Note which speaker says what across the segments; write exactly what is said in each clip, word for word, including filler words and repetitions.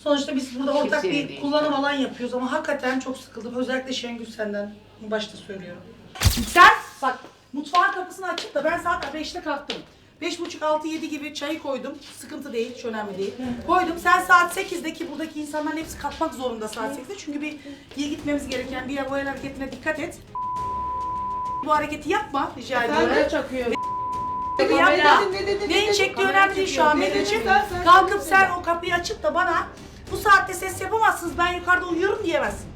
Speaker 1: Sonuçta biz burada ortak
Speaker 2: Kimsenin
Speaker 1: bir
Speaker 2: değil.
Speaker 1: kullanım alan yapıyoruz ama hakikaten çok sıkıldım. Özellikle Şengül senden başta söylüyorum. Sen bak mutfağın kapısını açıp da ben saat beşte kalktım. Beş buçuk, altı, yedi gibi çayı koydum. Sıkıntı değil, hiç önemli değil. Koydum. Sen saat sekizdeki buradaki insanların hepsi kalkmak zorunda saat sekizde. Çünkü bir il gitmemiz gereken bir yer, bu el hareketine dikkat et. Bu hareketi yapma rica ediyorum.
Speaker 3: Kamera çakıyor.
Speaker 1: Gibi yapma. Neyin çektiği önemli değil şu an Medeciğim. Kalkıp sen o kapıyı açıp da bana bu saatte ses yapamazsınız, ben yukarıda uyuyorum diyemezsin.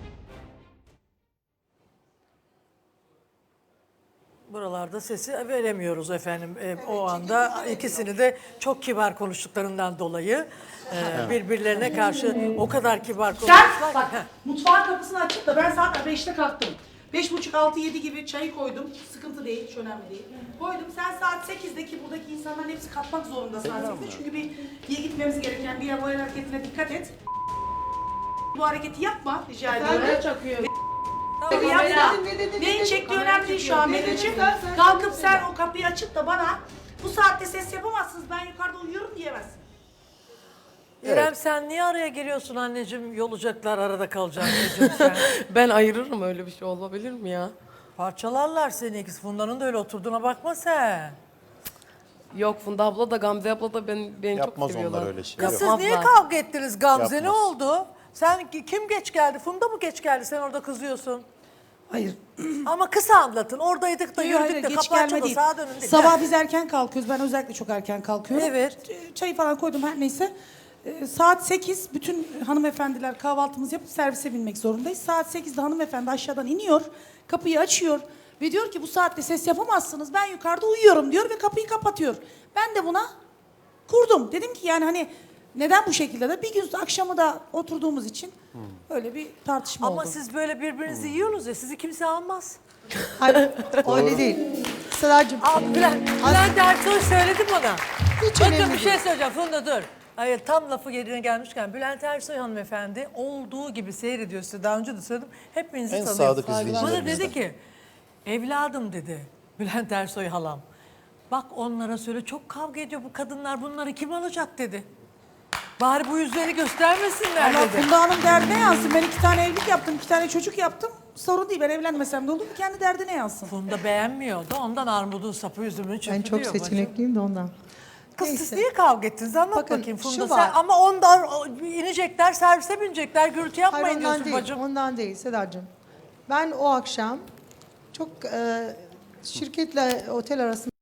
Speaker 4: Buralarda sesi veremiyoruz efendim. Ee, o anda ikisini de çok kibar konuştuklarından dolayı e, birbirlerine karşı o kadar kibar
Speaker 1: Sen
Speaker 4: konuştular.
Speaker 1: bak mutfağın kapısını açıp da ben saat beşte kalktım. Beş buçuk, altı, yedi gibi çayı koydum. Sıkıntı değil, hiç önemli değil. Koydum. Sen saat sekizdeki buradaki insanların hepsi kalkmak zorunda saat sekizde. Çünkü bir il gitmemiz gereken bir yer, bu el hareketine dikkat et. Bu hareketi yapma rica ediyorum.
Speaker 3: Kamera çakıyor.
Speaker 1: Gibi yapma. Neyin çektiği önemli değil şu an Medeciğim. Kalkıp sen o kapıyı açıp da bana bu saatte ses yapamazsınız, ben yukarıda uyuyorum diyemezsin.
Speaker 4: İrem sen niye araya giriyorsun anneciğim? Yolacaklar, arada kalacaksın anneciğim sen.
Speaker 5: Ben ayırırım, öyle bir şey olabilir mi ya?
Speaker 4: Parçalarlar seni ikisi. Funda'nın da öyle oturduğuna bakma sen.
Speaker 5: Yok, Funda abla da Gamze abla da ben, beni çok
Speaker 6: Yapmaz
Speaker 5: seviyorlar.
Speaker 6: onlar öyle şey.
Speaker 4: Kız
Speaker 6: Yok.
Speaker 4: siz niye
Speaker 5: Yapmazlar.
Speaker 4: kavga ettiniz Gamze? Ne
Speaker 6: Yapmaz.
Speaker 4: oldu? Sen kim geç geldi? Funda mı geç geldi? Sen orada kızıyorsun.
Speaker 7: Hayır.
Speaker 4: Ama kısa anlatın. Oradaydık da
Speaker 7: Hayır,
Speaker 4: yürüdük
Speaker 7: hayır,
Speaker 4: de
Speaker 7: geç
Speaker 4: kapı
Speaker 7: gelme
Speaker 4: açıldı
Speaker 7: değil.
Speaker 4: sağa dönün dedi.
Speaker 7: Sabah biz erken kalkıyoruz. Ben özellikle çok erken kalkıyorum.
Speaker 4: Evet.
Speaker 7: Çayı falan koydum her neyse. Ee, saat sekiz bütün hanımefendiler kahvaltımızı yapıp servise binmek zorundayız. Saat sekizde hanımefendi aşağıdan iniyor. Kapıyı açıyor ve diyor ki bu saatte ses yapamazsınız. Ben yukarıda uyuyorum diyor ve kapıyı kapatıyor. Ben de buna kurdum. Dedim ki yani hani neden bu şekilde de bir gün akşamı da oturduğumuz için öyle bir tartışma
Speaker 4: Ama
Speaker 7: oldu.
Speaker 4: siz böyle birbirinizi yiyorsunuz ya sizi kimse almaz.
Speaker 8: Hayır, öyle değil. Sedacığım,
Speaker 4: Aa, Bülent, Bülent Ersoy söyledi bana.
Speaker 8: hiç
Speaker 4: Bakın
Speaker 8: önemli
Speaker 4: bir
Speaker 8: değil.
Speaker 4: şey söyleyeceğim Funda dur. Hayır tam lafı yerine gelmişken Bülent Ersoy hanımefendi olduğu gibi seyrediyor size daha önce de söyledim. Hepinizi
Speaker 6: En
Speaker 4: tanıyor.
Speaker 6: sadık
Speaker 4: Bana
Speaker 6: izleyicilerimizden.
Speaker 4: dedi ki evladım dedi Bülent Ersoy halam. Bak onlara söyle çok kavga ediyor bu kadınlar bunları kim alacak dedi. Bari bu yüzleri göstermesinler
Speaker 7: Allah
Speaker 4: dedi.
Speaker 7: Funda Hanım derdine yansın. Ben iki tane evlilik yaptım, iki tane çocuk yaptım. Sorun değil, ben evlenmesem de olur. Kendi derdine yansın.
Speaker 4: Funda beğenmiyordu ondan armudun sapı üzümünü çöpü
Speaker 8: Ben çok
Speaker 4: diyor bacım.
Speaker 8: seçenekliyim de ondan.
Speaker 4: Kız siz
Speaker 8: Neyse.
Speaker 4: niye kavga ettiniz? Anlat
Speaker 8: Bakın,
Speaker 4: bakayım Funda
Speaker 8: şu
Speaker 4: sen.
Speaker 8: var.
Speaker 4: Ama ondan o- inecekler, servise binecekler, gürültü yapmayın
Speaker 8: Hayır, ondan
Speaker 4: diyorsun
Speaker 8: değil,
Speaker 4: bacım.
Speaker 8: ondan değil Sedacığım. Ben o akşam çok e, şirketle otel arasında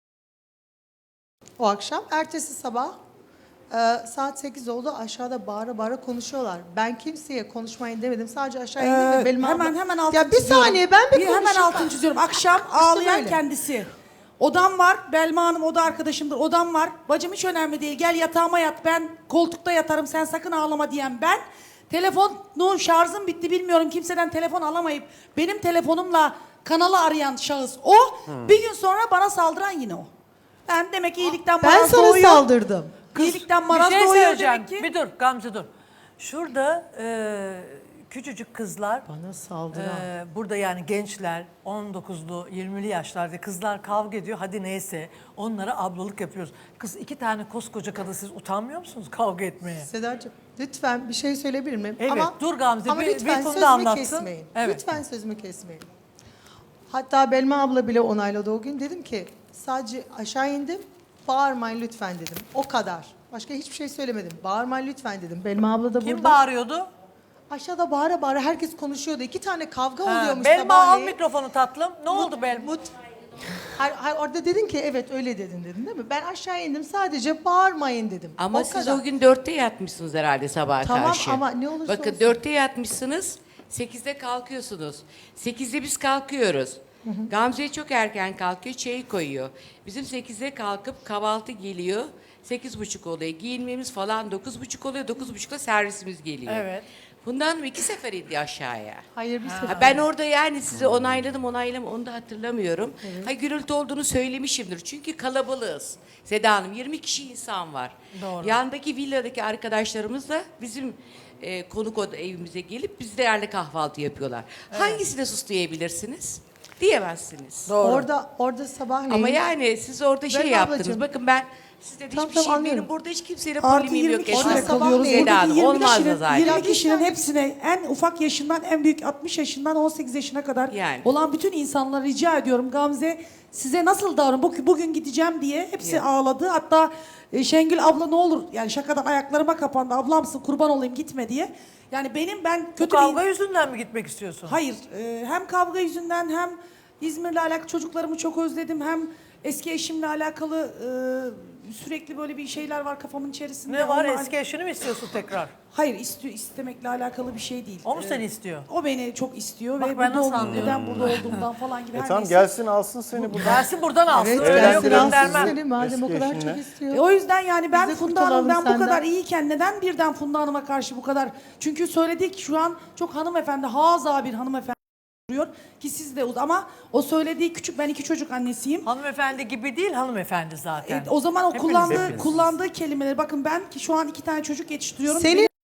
Speaker 8: o akşam, ertesi sabah e, saat sekiz oldu, aşağıda bağıra bağıra konuşuyorlar. Ben kimseye konuşmayın demedim, sadece aşağı indim
Speaker 7: Ee,
Speaker 8: ve benim
Speaker 7: hemen
Speaker 8: abla-
Speaker 7: hemen altını
Speaker 8: Ya bir
Speaker 7: çiziyorum.
Speaker 8: saniye ben bir,
Speaker 7: bir hemen
Speaker 8: konuşayım.
Speaker 7: altını çiziyorum. Akşam ağlayan
Speaker 8: öyle.
Speaker 7: kendisi. Odam var. Belma Hanım oda arkadaşımdır. Odam var. Bacım hiç önemli değil. Gel yatağıma yat. Ben koltukta yatarım. Sen sakın ağlama diyen ben. Telefonun şarjım bitti bilmiyorum. Kimseden telefon alamayıp benim telefonumla kanalı arayan şahıs o. Bir gün sonra bana saldıran yine o. Ben demek ki iyilikten
Speaker 8: Ben
Speaker 7: maraz
Speaker 8: sana
Speaker 7: doğuyor.
Speaker 8: saldırdım.
Speaker 7: İyilikten
Speaker 4: Bir
Speaker 7: maraz
Speaker 4: şey
Speaker 7: doğuyor
Speaker 4: söyleyeceğim.
Speaker 7: demek ki.
Speaker 4: Bir dur Gamze dur. Şurada e, küçücük kızlar,
Speaker 8: Bana saldıran.
Speaker 4: e, burada yani gençler, on dokuzlu, yirmili yaşlarda kızlar kavga ediyor. Hadi neyse onlara ablalık yapıyoruz. Kız iki tane koskoca kadın siz utanmıyor musunuz kavga etmeye?
Speaker 8: Sedacığım lütfen bir şey söyleyebilir miyim?
Speaker 4: Evet,
Speaker 8: ama,
Speaker 4: dur Gamze,
Speaker 8: ama
Speaker 4: bir-
Speaker 8: lütfen
Speaker 4: bir Funda
Speaker 8: sözümü
Speaker 4: anlatsın.
Speaker 8: kesmeyin.
Speaker 4: Evet.
Speaker 8: Lütfen sözümü kesmeyin. Hatta Belma abla bile onayladı o gün. Dedim ki sadece aşağı indim. Bağırmayın lütfen dedim. O kadar. Başka hiçbir şey söylemedim. Bağırmayın lütfen dedim. Belma abla da
Speaker 4: Kim
Speaker 8: burada.
Speaker 4: bağırıyordu?
Speaker 8: Aşağıda bağıra bağıra herkes konuşuyordu. İki tane kavga
Speaker 4: Ha,
Speaker 8: oluyormuş
Speaker 4: Belma al
Speaker 8: sabahleyin.
Speaker 4: mikrofonu tatlım. Ne oldu Belma?
Speaker 8: Mut. Hayır, hayır, orada dedin ki evet öyle dedin dedin değil mi? Ben aşağı indim sadece bağırmayın dedim.
Speaker 2: Ama
Speaker 8: O
Speaker 2: siz
Speaker 8: kadar.
Speaker 2: o gün dörtte yatmışsınız herhalde sabaha
Speaker 8: Tamam
Speaker 2: karşı.
Speaker 8: ama ne olursa
Speaker 2: Bakın
Speaker 8: olsun.
Speaker 2: dörtte yatmışsınız, sekizde kalkıyorsunuz. Sekizde biz kalkıyoruz. Gamze çok erken kalkıyor, çayı koyuyor. Bizim sekizde kalkıp kahvaltı geliyor. Sekiz buçuk oluyor. Giyinmemiz falan dokuz buçuk oluyor. Dokuz buçukta servisimiz geliyor.
Speaker 4: Evet.
Speaker 2: Bundan iki sefer indi aşağıya.
Speaker 8: Hayır bir sefer.
Speaker 2: Ha, ben orada yani sizi onayladım onayladım onu da hatırlamıyorum. Ha, gürültü olduğunu söylemişimdir. Çünkü kalabalığız. Seda Hanım yirmi kişi insan var.
Speaker 4: Doğru.
Speaker 2: Yandaki villadaki arkadaşlarımız da bizim e, konuk oda evimize gelip bizlerle kahvaltı yapıyorlar. Hangisine suslayabilirsiniz? Diyemezsiniz.
Speaker 4: Doğru.
Speaker 8: Orada orada sabahleyin.
Speaker 2: Ama yani siz orada şey
Speaker 8: Belma
Speaker 2: yaptınız.
Speaker 8: ablacığım.
Speaker 2: Bakın ben Siz de
Speaker 8: Tamam,
Speaker 2: hiçbir
Speaker 8: tamam,
Speaker 2: şey,
Speaker 8: anlıyorum.
Speaker 2: benim burada hiç kimseyle
Speaker 1: Artı
Speaker 2: polimim
Speaker 1: yirmi
Speaker 2: yok.
Speaker 1: kişiyle
Speaker 8: Orada
Speaker 2: Esra.
Speaker 8: sabah
Speaker 1: kalıyoruz.
Speaker 8: neydi?
Speaker 2: Seda Hanım,
Speaker 1: Buradaki yirmi
Speaker 2: olmaz da
Speaker 1: kişinin,
Speaker 2: zaten.
Speaker 1: yirmi
Speaker 8: Ya
Speaker 1: kişinin
Speaker 8: bir-
Speaker 1: hepsine en ufak yaşından en büyük altmış yaşından on sekiz yaşına kadar
Speaker 2: Yani.
Speaker 1: olan bütün insanlara rica ediyorum. Gamze size nasıl davran? Bugün, bugün gideceğim diye hepsi
Speaker 2: Yani.
Speaker 1: ağladı. Hatta e, Şengül abla ne olur yani şakadan ayaklarıma kapandı. Ablamsın kurban olayım gitme diye. Yani benim ben
Speaker 4: Bu
Speaker 1: kötü
Speaker 4: kavga
Speaker 1: bir...
Speaker 4: yüzünden mi gitmek istiyorsun?
Speaker 1: Hayır. e, hem kavga yüzünden hem İzmir'le alakalı çocuklarımı çok özledim. Hem eski eşimle alakalı e, sürekli böyle bir şeyler var kafamın içerisinde.
Speaker 4: Ne var?
Speaker 1: Onunla-
Speaker 4: Eski eşini mi istiyorsun tekrar?
Speaker 1: Hayır istiyor, istemekle alakalı bir şey değil.
Speaker 4: O mu
Speaker 1: Ee,
Speaker 4: seni istiyor?
Speaker 1: O beni çok istiyor
Speaker 4: Bak
Speaker 1: ve
Speaker 4: ben
Speaker 1: burada
Speaker 4: nasıl
Speaker 1: olduğum,
Speaker 4: anlıyorum?
Speaker 1: neden burada olduğumdan falan gibi
Speaker 3: E
Speaker 1: her
Speaker 3: tamam
Speaker 1: neyse.
Speaker 3: gelsin alsın seni buradan.
Speaker 4: Gelsin buradan alsın.
Speaker 8: Evet,
Speaker 4: Öyle yok
Speaker 8: gelsin alsın
Speaker 4: göndermem.
Speaker 8: seni madem o
Speaker 3: Eski
Speaker 8: kadar
Speaker 3: eşinle.
Speaker 8: çok istiyor.
Speaker 1: E, o yüzden yani ben
Speaker 8: Biz de
Speaker 1: Funda
Speaker 8: kurtulalım
Speaker 1: Hanım'dan bu
Speaker 8: senden.
Speaker 1: kadar iyiyken neden birden Funda Hanım'a karşı bu kadar? Çünkü söyledik şu an çok hanımefendi, haza bir hanımefendi duruyor ki siz de uz- ama o söylediği küçük, ben iki çocuk annesiyim.
Speaker 4: Hanımefendi gibi değil, hanımefendi zaten.
Speaker 1: E, o zaman o
Speaker 4: Hepiniz,
Speaker 1: kullandığı
Speaker 3: hepiniz.
Speaker 1: kullandığı kelimeleri bakın ben ki şu an iki tane çocuk yetiştiriyorum.
Speaker 8: Senin
Speaker 1: Benim-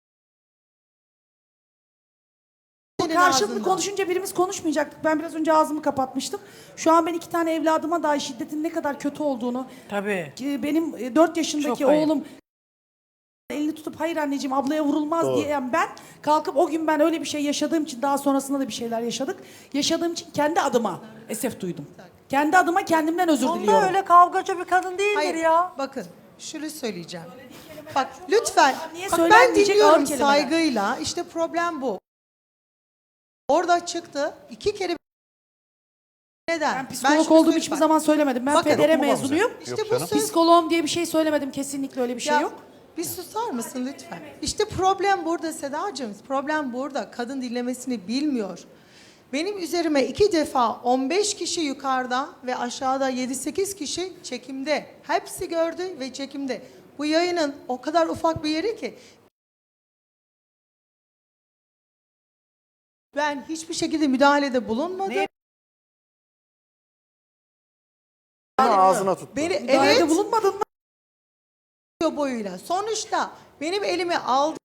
Speaker 8: senin
Speaker 1: Karşılıklı
Speaker 8: ağzından.
Speaker 1: konuşunca birimiz konuşmayacaktık. Ben biraz önce ağzımı kapatmıştım. Şu an ben iki tane evladıma dahi şiddetin ne kadar kötü olduğunu,
Speaker 4: Tabii.
Speaker 1: ki benim e, dört yaşındaki
Speaker 4: Çok ayıp.
Speaker 1: oğlum elini tutup hayır anneciğim ablaya vurulmaz
Speaker 3: Doğru.
Speaker 1: diyen ben kalkıp o gün ben öyle bir şey yaşadığım için daha sonrasında da bir şeyler yaşadık. Yaşadığım için kendi adıma esef duydum. Kendi adıma kendimden özür
Speaker 4: Onda
Speaker 1: diliyorum.
Speaker 4: öyle kavgacı bir kadın değildir
Speaker 8: Hayır,
Speaker 4: ya.
Speaker 8: bakın şunu söyleyeceğim. Bak lütfen,
Speaker 1: Niye
Speaker 8: bak ben
Speaker 1: söylenmeyecek ağır
Speaker 8: dinliyorum
Speaker 1: kelimeler?
Speaker 8: saygıyla. İşte problem bu. Orada çıktı, iki kere neden?
Speaker 1: Ben psikolog
Speaker 8: şunu
Speaker 1: olduğumu
Speaker 8: söyle-
Speaker 1: hiçbir
Speaker 8: bak,
Speaker 1: zaman söylemedim. Ben
Speaker 8: Bakın.
Speaker 1: federe
Speaker 3: Yok mu
Speaker 1: mezunuyum.
Speaker 3: Gamze?
Speaker 8: İşte
Speaker 3: Yok
Speaker 8: bu
Speaker 3: canım.
Speaker 8: söz
Speaker 1: Psikoloğum diye bir şey söylemedim. Kesinlikle öyle bir şey
Speaker 8: Ya,
Speaker 1: yok.
Speaker 8: Bir susar mısın lütfen? İşte problem burada Sedacığım. Problem burada. Kadın dinlemesini bilmiyor. Benim üzerime iki defa on beş kişi yukarıda ve aşağıda yedi sekiz kişi çekimde. Hepsi gördü ve çekimde. Bu yayının o kadar ufak bir yeri ki ben hiçbir şekilde müdahalede bulunmadım.
Speaker 4: Niye?
Speaker 3: Ama ağzına tuttu.
Speaker 8: Beni
Speaker 1: Müdahalede
Speaker 8: evet
Speaker 1: bulunmadın mı?
Speaker 8: boyuyla. Sonuçta benim elimi aldı.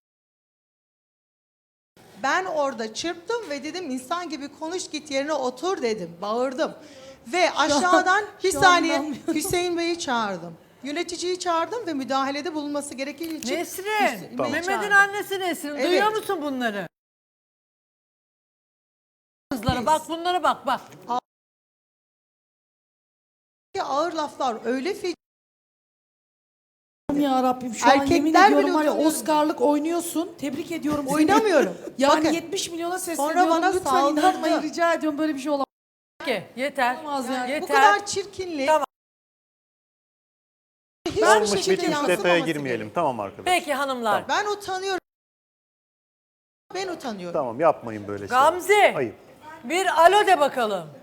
Speaker 8: Ben orada çırptım ve dedim insan gibi konuş git yerine otur dedim. Bağırdım. Ve aşağıdan bir
Speaker 1: şu an
Speaker 8: saniye
Speaker 1: inanmıyorum.
Speaker 8: Hüseyin Bey'i çağırdım. Yöneticiyi çağırdım ve müdahalede bulunması gerektiği için
Speaker 4: Nesrin,
Speaker 8: Hüseyin Bey'i
Speaker 4: Mehmet'in
Speaker 8: çağırdım.
Speaker 4: annesi Nesrin.
Speaker 8: Evet.
Speaker 4: Duyuyor musun bunları? Kızlara bak, bunlara bak bak.
Speaker 8: Ağır laflar öyle feci.
Speaker 1: Ya Rabbim şu an
Speaker 8: Erkekler
Speaker 1: yemin
Speaker 8: bile
Speaker 1: ediyorum var ya
Speaker 8: utanıyorum.
Speaker 1: Oscar'lık oynuyorsun. Tebrik ediyorum seni.
Speaker 8: Oynamıyorum.
Speaker 1: Yani
Speaker 8: Bakın.
Speaker 1: yetmiş milyona sesleniyorum.
Speaker 8: Sonra bana
Speaker 1: Lütfen
Speaker 8: saldırdı.
Speaker 1: inanmayın rica ediyorum böyle bir şey olamaz.
Speaker 4: Peki, yeter.
Speaker 1: Olamaz yani.
Speaker 4: Yeter.
Speaker 8: Bu kadar çirkinlik.
Speaker 4: Tamam.
Speaker 8: Hiçbir
Speaker 3: Olmuş
Speaker 8: şekilde
Speaker 3: bitmiş detaya
Speaker 8: yansımaması
Speaker 3: girmeyelim. Tamam arkadaşlar.
Speaker 4: Peki hanımlar.
Speaker 8: Ben utanıyorum. Ben utanıyorum.
Speaker 3: Tamam yapmayın böyle şeyler.
Speaker 4: Gamze,
Speaker 3: Ayıp.
Speaker 4: bir alo de bakalım.